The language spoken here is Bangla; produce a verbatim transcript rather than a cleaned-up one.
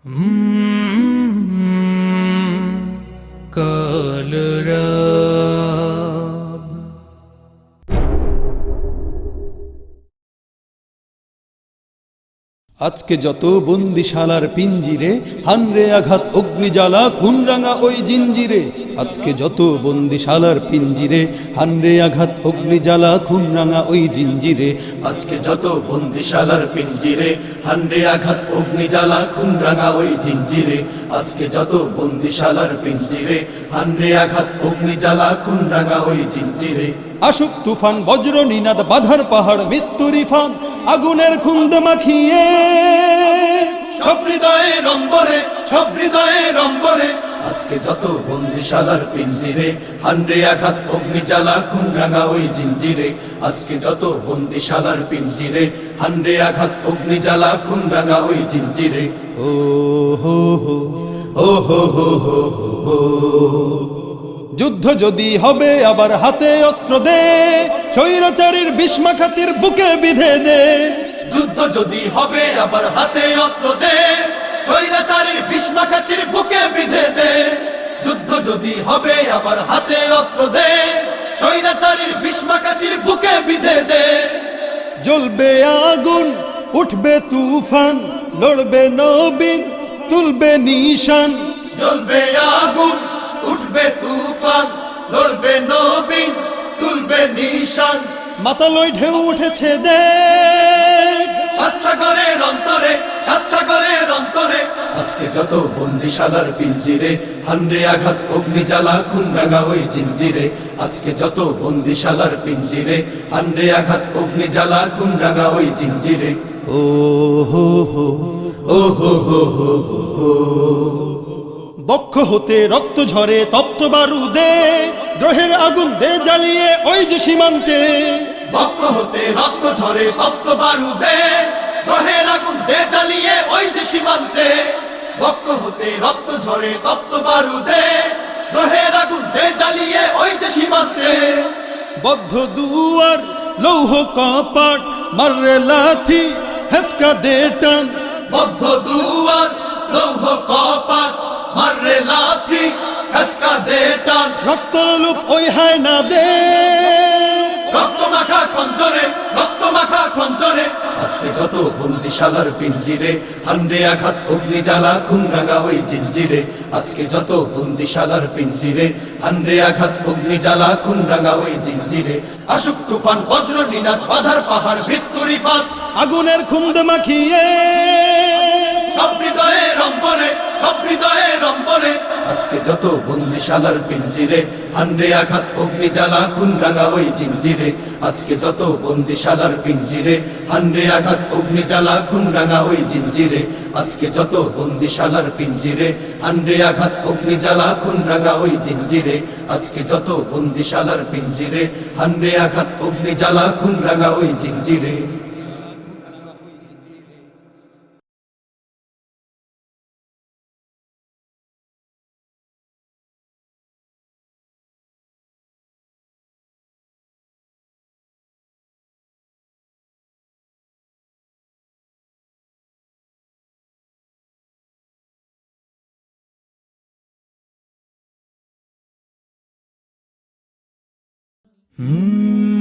কালরাব আজকে যত বন্দিশালার পিঞ্জিরে হানরে আঘাত অগ্নিজ্বালা খুনরাঙা ওই জিঞ্জিরে আজকে যত বন্দিশালার পিঞ্জিরে হানরে আঘাত অগ্নিজ্বালা খুনরাঙা ওই জিঞ্জিরে আজকে যত বন্দিশালার পিঞ্জিরে হানরে আঘাত অগ্নিজ্বালা খুনরাঙা ওই জিঞ্জিরে আজকে যত বন্দিশালার পিঞ্জিরে হানরে আঘাত অগ্নিজ্বালা খুনরাঙা ওই জিঞ্জিরে আশুক তুফান বজ্র নিনাদ বাধার পাহাড় মৃত্যুর ইফান আগুনের খুন্দ মাখিয়ে সব হৃদয়ে রম্বরে সব হৃদয়ে রম্বরে আজকে যত বন্দিশালার পিঞ্জিরে হানরে আঘাত অগ্নিজ্বালা খুনরাঙা ওই জিঞ্জিরে আজকে যত বন্দিশালার পিঞ্জিরে হানরে আঘাত অগ্নিজ্বালা খুনরাঙা ওই জিঞ্জিরে ও হো হো ও হো হো হো হো। যুদ্ধ যদি হবে আবার হাতে অস্ত্র দে স্বৈরাচারীর বিষ্মাখাতির বুকে বিধে দে যুদ্ধ যদি হবে আবার হাতে অস্ত্র দে স্বৈরাচারীর বিষ্মাখাতির বুকে বিধে দে যুদ্ধ যদি হবে আবার হাতে অস্ত্র দে স্বৈরাচারীর বিষ্মাখাতির বুকে বিধে দে জ্বলবে আগুন উঠবে তুফান লড়বে নবীন তুলবে নিশান জ্বলবে আগুন উঠবে তুফান লড়বে নবীন তুলবে নিশান মাতালয় ঢেউ উঠেছে দেখ সাতসাগরের অন্তরে সাতসাগরের অন্তরে আজকে যত বন্দিশালার পিঞ্জিরে হানরে আঘাত অগ্নিজ্বালা খুনরাঙা ওই জিঞ্জিরে আজকে যত বন্দিশালার পিঞ্জিরে হানরে আঘাত অগ্নিজ্বালা খুনরাঙা ওই জিঞ্জিরে ও হো হো ও হো হো হো হো। বক্ষ হতে রক্ত ঝরে তপ্ত বারুদে দ্রোহের আগুন দে জ্বালিয়ে ওই যে সীমান্তে বক্ষ হতে রক্ত ঝরে তপ্ত বারুদে দহের আগুন দে জ্বালিয়ে ওই যে সীমান্তে বক্ষ হতে রক্ত ঝরে তপ্ত বারুদে দহের আগুন দে জ্বালিয়ে ওই যে সীমান্তে বদ্ধ দুয়ার লৌহ কপাট মাররে লাথি হেচকা দে টান বদ্ধ দুয়ার লৌহ কপাট মাররে লাথি কাচকা দে টান রক্তলুপ ওই হায় না দে রক্ত মাখা খঞ্জরে রক্ত মাখা খঞ্জরে আজকে যত বন্দিশালার পিঞ্জিরে হানরে আঘাত অগ্নিজ্বালা খুনরাঙা ওই জিঞ্জিরে আজকে যত বন্দিশালার পিঞ্জিরে হানরে আঘাত অগ্নিজ্বালা খুনরাঙা ওই জিঞ্জিরে আশুক তুফান বজ্র নিনাদ বাধার পাহাড় মৃত্যুর ইফান আগুনের খুন্দ মাখিয়ে সব হৃদয়ে রম্বরে সব হৃদয়ে রম্বরে আজকে যত বন্দিশালার পিঞ্জিরে হানরে আঘাত অগ্নিজ্বালা খুনরাঙা ওই জিঞ্জিরে আজকে যত বন্দিশালার পিঞ্জিরে হানরে আঘাত অগ্নিজ্বালা খুনরাঙা ওই জিঞ্জিরে আজকে যত বন্দিশালার পিঞ্জিরে হানরে আঘাত অগ্নিজ্বালা খুনরাঙা ওই জিঞ্জিরে আজকে যত বন্দিশালার পিঞ্জিরে হানরে আঘাত অগ্নিজ্বালা খুনরাঙা ওই জিঞ্জিরে। হুম